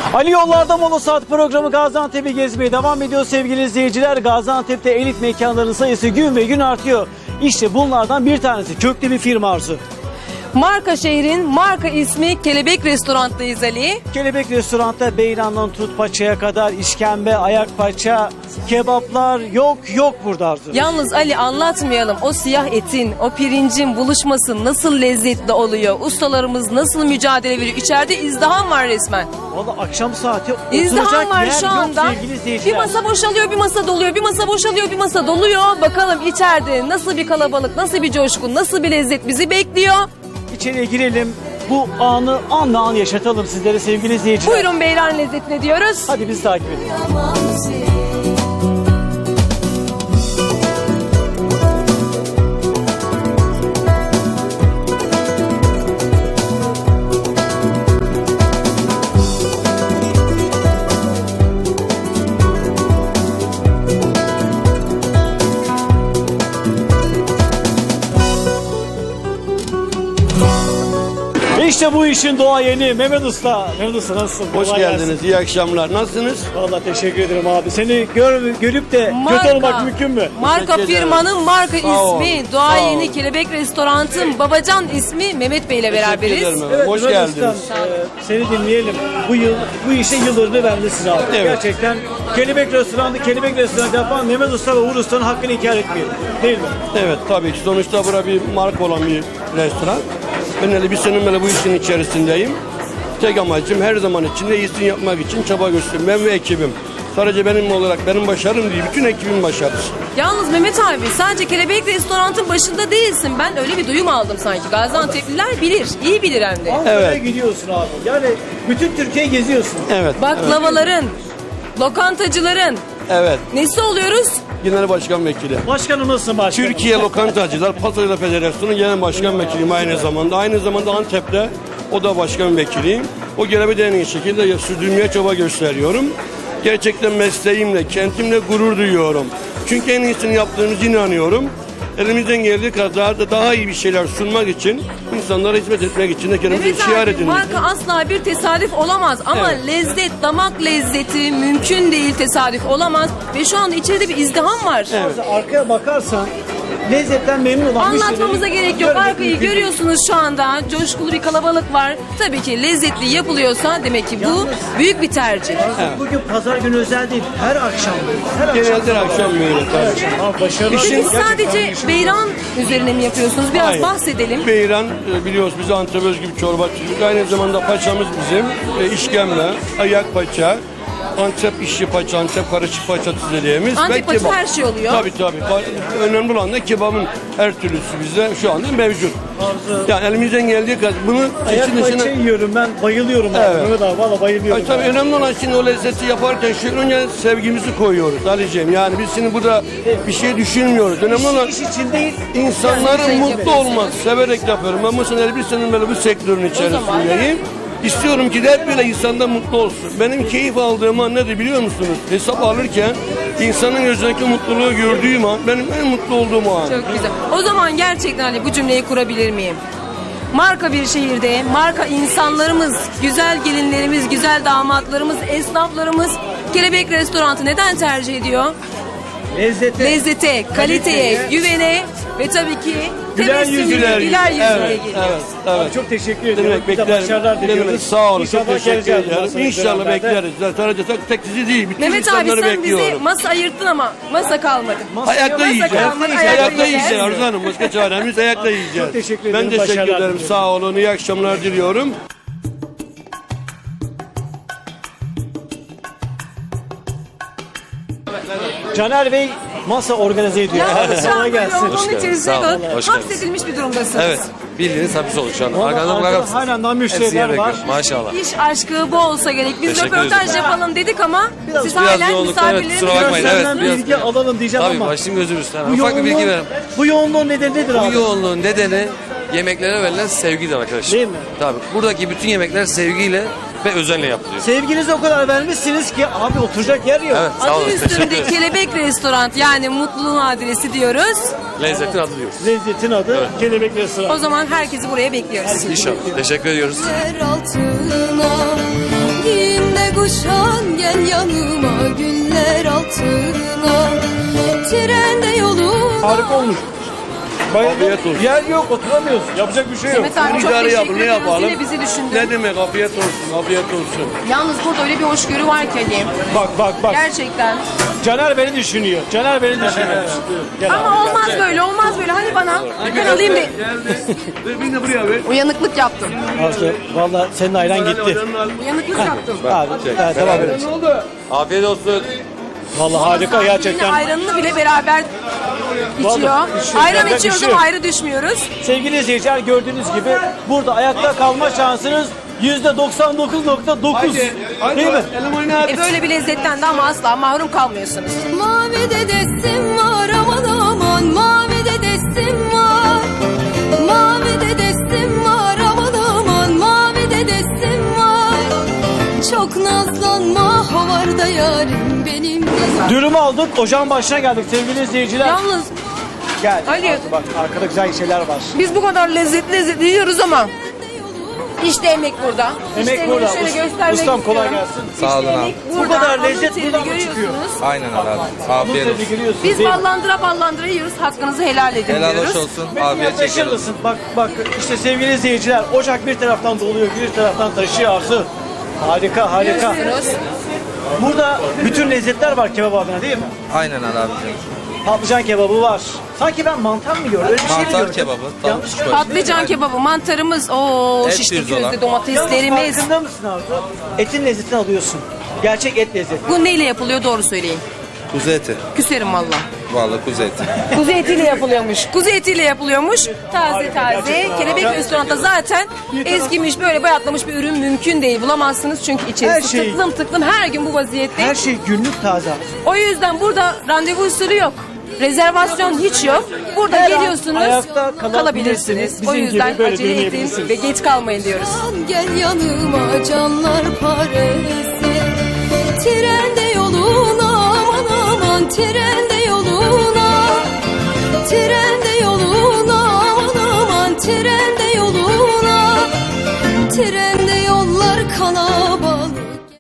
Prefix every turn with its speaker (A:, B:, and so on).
A: Ali Yollarda Mola Saat programı Gaziantep'i gezmeye devam ediyor sevgili izleyiciler. Gaziantep'te elit mekanların sayısı gün ve gün artıyor. İşte bunlardan bir tanesi köklü bir firma Arzu.
B: Marka şehrin marka ismi Kelebek Restoran'tayız Ali.
A: Kelebek Restoran'ta beyrandan tut paçaya kadar işkembe, ayak paça, kebaplar yok burada Arzu.
B: Yalnız Ali anlatmayalım, o siyah etin, o pirincin buluşması nasıl lezzetli oluyor. Ustalarımız nasıl mücadele veriyor. İçeride izdiham var resmen.
A: Valla akşam saati
B: İzdiham
A: oturacak
B: var
A: yer
B: şu
A: yok
B: anda.
A: sevgili
B: Bir
A: izleyiciler.
B: masa boşalıyor, bir masa doluyor, bir masa boşalıyor, bir masa doluyor. Bakalım içeride nasıl bir kalabalık, nasıl bir coşku, nasıl bir lezzet bizi bekliyor.
A: İçeriye girelim. Bu anı an yaşatalım sizlere sevgili izleyiciler.
B: Buyurun beyran lezzetine diyoruz.
A: Hadi bizi takip edin. İşte bu işin doğayeni Mehmet Usta. Mehmet Usta nasılsın?
C: Hoş
A: Kolay
C: geldiniz.
A: gelsin.
C: İyi akşamlar. Nasılsınız?
A: Vallahi teşekkür ederim abi. Seni görüp de kötü olmak mümkün mü?
B: Marka
C: Teşekkür ederim.
B: firmanın marka
C: Sağ ol,
B: ismi,
C: sağ
B: Doğayeni
C: ol.
B: Kelebek Restoran'ın babacan ismi Mehmet Bey ile beraberiz.
C: Teşekkür ederim. Hoş
A: Mehmet
C: geldiniz.
A: Ustam, seni dinleyelim. Bu işe yıllarını vermişsin abi.
C: Evet.
A: Gerçekten Kelebek Restoran'ı yapan Mehmet Usta ve Uğur Usta'nın hakkını inkar etmeyelim. Değil mi?
C: Evet tabii ki. Sonuçta bura bir marka olan bir restoran. Ben öyle bir sene böyle bu işin içerisindeyim. Tek amacım her zaman içinde iyisini yapmak için çaba gösteriyorum. Ben ve ekibim. Sadece benim olarak benim başarım değil, bütün ekibin başarısı.
B: Yalnız Mehmet abi sadece Kelebek Restoran'ın başında değilsin. Ben öyle bir duyum aldım sanki. Gaziantep'liler bilir, iyi bilir hem de.
A: Ankara'ya
C: Evet.
A: gidiyorsun abi. Yani bütün Türkiye'yi geziyorsun.
C: Evet.
B: Baklavaların, lokantacıların
C: Evet.
B: nesi oluyoruz?
C: Genel Başkan Vekili.
A: Başkanım nasılsın başkanım?
C: Türkiye Lokantacılar Pazarıyla Federasyonu Genel Başkan Vekiliyim aynı zamanda. Aynı zamanda Antep'te o da başkan vekiliyim. O görevi de en iyi şekilde sürdürmeye çaba gösteriyorum. Gerçekten mesleğimle, kentimle gurur duyuyorum. Çünkü en iyisini yaptığımıza inanıyorum. Elimizden geldiği kadar da daha iyi bir şeyler sunmak için, insanlara hizmet etmek için de kendimizi
B: Mehmet
C: şiar
B: abi
C: edin.
B: marka asla bir tesadüf olamaz. Ama
C: Evet.
B: lezzet, damak lezzeti mümkün değil, tesadüf olamaz. Ve şu anda içeride bir izdiham var.
A: Arkaya bakarsan lezzetten memnun olan
B: Anlatmamıza
A: müşterileri
B: gerek yok.
A: görmek
B: Arkayı
A: mümkün değil.
B: görüyorsunuz şu anda. Coşkulu bir kalabalık var. Tabii ki lezzetli yapılıyorsa demek ki bu büyük bir tercih.
A: Bugün pazar günü özel değil. Her akşam.
C: Genelde akşam böyle tabii.
A: Abi başarılı.
B: Peki
A: Gerçekten
B: sadece beyran üzerine mi yapıyorsunuz? Biraz
C: Hayır.
B: bahsedelim.
C: Beyran biliyoruz biz Antep özgü bir çorbacıyız. Aynı zamanda paçamız bizim işkembe, ayak paça, Antep işçi paça, Antep karışık paça dediğimiz.
B: Antep
C: ve
B: paça
C: kebap.
B: her şey oluyor.
C: Tabii. Önemli olan da kebabın her türlüsü bizde şu anda mevcut. Yani elimizden geldiği kadar bunu
A: Ayak
C: için
A: paça
C: dışına...
A: yiyorum ben. Bayılıyorum abi.
C: Evet.
A: Mehmet abi valla bayılıyorum.
C: Tabii önemli olan şimdi o lezzeti yaparken şu önce sevgimizi koyuyoruz Ali'ciğim. Yani biz şimdi burada bir şey düşünmüyoruz. Önemli olan
A: İş için değil.
C: İnsanların
B: Yani
C: mutlu
B: yapıyorsunuz.
C: olması, severek yapıyorum. Ben bu sene bir senenin böyle bu sektörün içerisindeyim. İstiyorum ki de hep böyle insanda mutlu olsun. Benim keyif aldığım an nedir biliyor musunuz? Hesap alırken insanın gözündeki mutluluğu gördüğüm an benim en mutlu olduğum an.
B: Çok güzel. O zaman gerçekten Ali bu cümleyi kurabilir miyim? Marka bir şehirde, marka insanlarımız, güzel gelinlerimiz, güzel damatlarımız, esnaflarımız Kelebek Restoran'ı neden tercih ediyor? Lezzete, kaliteye, güvene ve tabii ki
A: Güler
B: tebessümlü,
A: yüzlü.
B: güler yüzlüne
C: Evet,
B: geliyor.
C: evet.
A: Çok teşekkür ediyorum.
C: Demek
A: Bize
C: beklerim.
A: başarılar diliyoruz.
C: Demek sağ olun.
A: İnşallah
C: Çok teşekkür
A: geleceğiz bundan
C: ederim.
A: sonra
C: İnşallah
A: beraber.
C: bekleriz. Sadece tek sizi değil. Bütün
B: Mehmet abi
C: insanları
B: sen bize
C: bekliyorum.
B: masa ayırttın ama masa kalmadı.
C: Ayakta
B: Masa
C: yiyeceğiz.
B: kalmadı,
C: Ayakta yiyeceğiz
B: yiyeceğiz.
C: Arzu Hanım. Başka çaremiz ayakta yiyeceğiz.
A: Çok teşekkür
C: Ben
A: ederim,
C: teşekkür
A: başarılar
C: ederim.
A: diliyorum.
C: Sağ olun. İyi akşamlar diliyorum.
A: Caner Bey masa organize ediyor. Hadi
B: Şu
A: sana
B: anda
A: gelsin.
B: yolun
D: geldiniz,
B: içerisinde
D: sağ olun, hoş geldiniz.
B: hapsedilmiş bir durumdasınız.
D: Evet. Bildiğiniz hapis olduk şu an.
A: Vallahi
D: Arkadan
A: arkada
D: bakar mısınız?
A: halen daha
D: Hepsi
A: müşteriler
D: yer
A: var.
D: bekliyor. Maşallah.
B: İş aşkı bu olsa gerek. Biz
D: Teşekkür
B: röportaj
D: ederim.
B: yapalım dedik ama siz
D: Biraz
B: hala
D: yoğunlukta, evet,
B: misafirleriniz.
D: kusura bakmayın. Evet,
A: Senden
D: biraz-
A: bilgi alalım diyeceğim
D: Tabii
A: ama
D: başım gözüm üstüne.
A: bu
D: Ufak bir bilgi verelim.
A: bu yoğunluğun nedeni nedir
D: Bu
A: abi?
D: yoğunluğun nedeni yemeklere verilen sevgidir arkadaşlar.
A: Değil mi?
D: Tabii. Buradaki bütün yemekler sevgiyle ve özenle yapılıyor.
A: Sevginizi o kadar vermişsiniz ki abi oturacak yer yok.
D: Evet, sağ olun.
B: Adı
D: Teşekkür
B: üstünde
D: ederim.
B: Kelebek Restoran yani mutluluğun adresi diyoruz.
D: Lezzetin adı diyoruz.
A: Lezzetin adı
D: Evet.
A: Kelebek Restoran.
B: O zaman herkesi buraya bekliyoruz.
D: İnşallah. Teşekkür ediyoruz.
E: Yer altına, giyimde kuşan gel yanıma güller altına. Trende yolum.
A: Harika olmuş.
C: Afiyet olsun.
A: Yer yok, oturamıyoruz. Yapacak bir şey yok.
B: Mehmet abi çok
C: İdare
B: teşekkür
C: yapın, ne
B: ediyoruz.
C: yapalım?
B: Yine bizi düşündün.
C: Ne demek afiyet olsun, afiyet olsun.
B: Yalnız burada öyle bir hoşgörü var ki Ali.
A: Bak.
B: Gerçekten.
A: Caner beni düşünüyor. Caner beni düşünüyor. Gel abi.
B: Ama olmaz böyle, olmaz böyle. Hani bana ben alayım bir
C: Bir de buraya ver.
B: uyanıklık yaptım.
A: Aslı, valla senin ayran gitti.
B: Uyanıklık yaptım.
A: Abi, devam edelim.
D: Afiyet olsun.
A: Valla harika
B: Yine
A: gerçekten.
B: ayranını bile beraber içiyor.
A: Vallahi içiyor,
B: Ayran
A: beraber
B: içiyoruz
A: içiyor.
B: ama ayrı düşmüyoruz.
A: Sevgili izleyiciler gördüğünüz gibi burada ayakta kalma şansınız %99.9. Değil mi?
C: Elim oynat.
B: Böyle bir lezzetten de ama asla mahrum kalmıyorsunuz.
E: Mavi de destim var aman aman, mavi de destim var. Mavi de destim var aman aman, mavi de destim var. Çok nazlanma havarda yarim benim de.
A: Dürümü aldık, ocağın başına geldik sevgili izleyiciler.
B: Yalnız
A: Gel.
B: Ali.
A: Bak arkada güzel şeyler var.
B: biz bu kadar lezzetli yiyoruz ama işte emek burada.
A: Emek
B: işte
A: burada.
B: Şöyle göstermek
A: Ustam kolay
B: istiyorum.
A: gelsin.
F: Sağ olun abi.
B: Emek
A: Bu
B: burada.
A: kadar
B: Alın
A: lezzet
B: terini
A: buradan mı çıkıyor?
B: görüyorsunuz.
F: Aynen abi.
A: Bunu
F: Afiyet olsun.
A: tabii görüyorsunuz.
B: Biz
A: değil mi?
B: ballandıra yiyoruz. Hakkınızı helal edin
F: Helal
B: diyoruz.
F: hoş olsun.
A: Beni
F: Afiyet
A: yaklaşır
F: çekelim.
A: mısın? Bak işte sevgili izleyiciler ocak bir taraftan doluyor, bir taraftan taşıyor Arzu. Harika.
B: Görüyorsunuz.
A: Burada bütün lezzetler var kebap adına değil mi?
F: Aynen abi.
A: Patlıcan kebabı var. Sanki ben mantar mı yiyorum? Öyle bir şey mi
F: Mantar
A: yiyorum?
F: kebabı.
A: Yanlış
F: Tavuk
A: mı?
B: Patlıcan kebabı, mantarımız,
F: Et
B: şişli
F: pirzola.
B: közlü
A: Yalnız
B: domateslerimiz.
A: farkında mısın Arzu? Etin lezzetini alıyorsun. Gerçek et lezzeti.
B: Bu neyle yapılıyor doğru söyleyin.
F: Kuzu eti.
B: Küserim valla.
F: Vallahi kuzu eti.
B: Kuzu etiyle yapılıyormuş. Kuzu etiyle yapılıyormuş. Taze taze.
A: gerçekten.
B: Kelebek restoranda zaten eskimiş böyle bayatlamış bir ürün mümkün değil. Bulamazsınız çünkü içerisi
A: Her şey-
B: tıklım her gün bu vaziyette.
A: Her şey günlük taze.
B: O yüzden burada randevu usulü yok. Rezervasyon hiç yok. Burada
A: Her an
B: geliyorsunuz,
A: ayakta kalabilirsiniz.
B: kalabilirsiniz. O
A: Bizim
B: yüzden
A: gibi böyle
B: acele edin
A: dinleyebilirsiniz.
B: ve geç kalmayın diyoruz.
E: Gel yanıma canlar paresi. Trende yoluna aman aman, trende yoluna. Trende yoluna aman aman, trende yoluna. Trende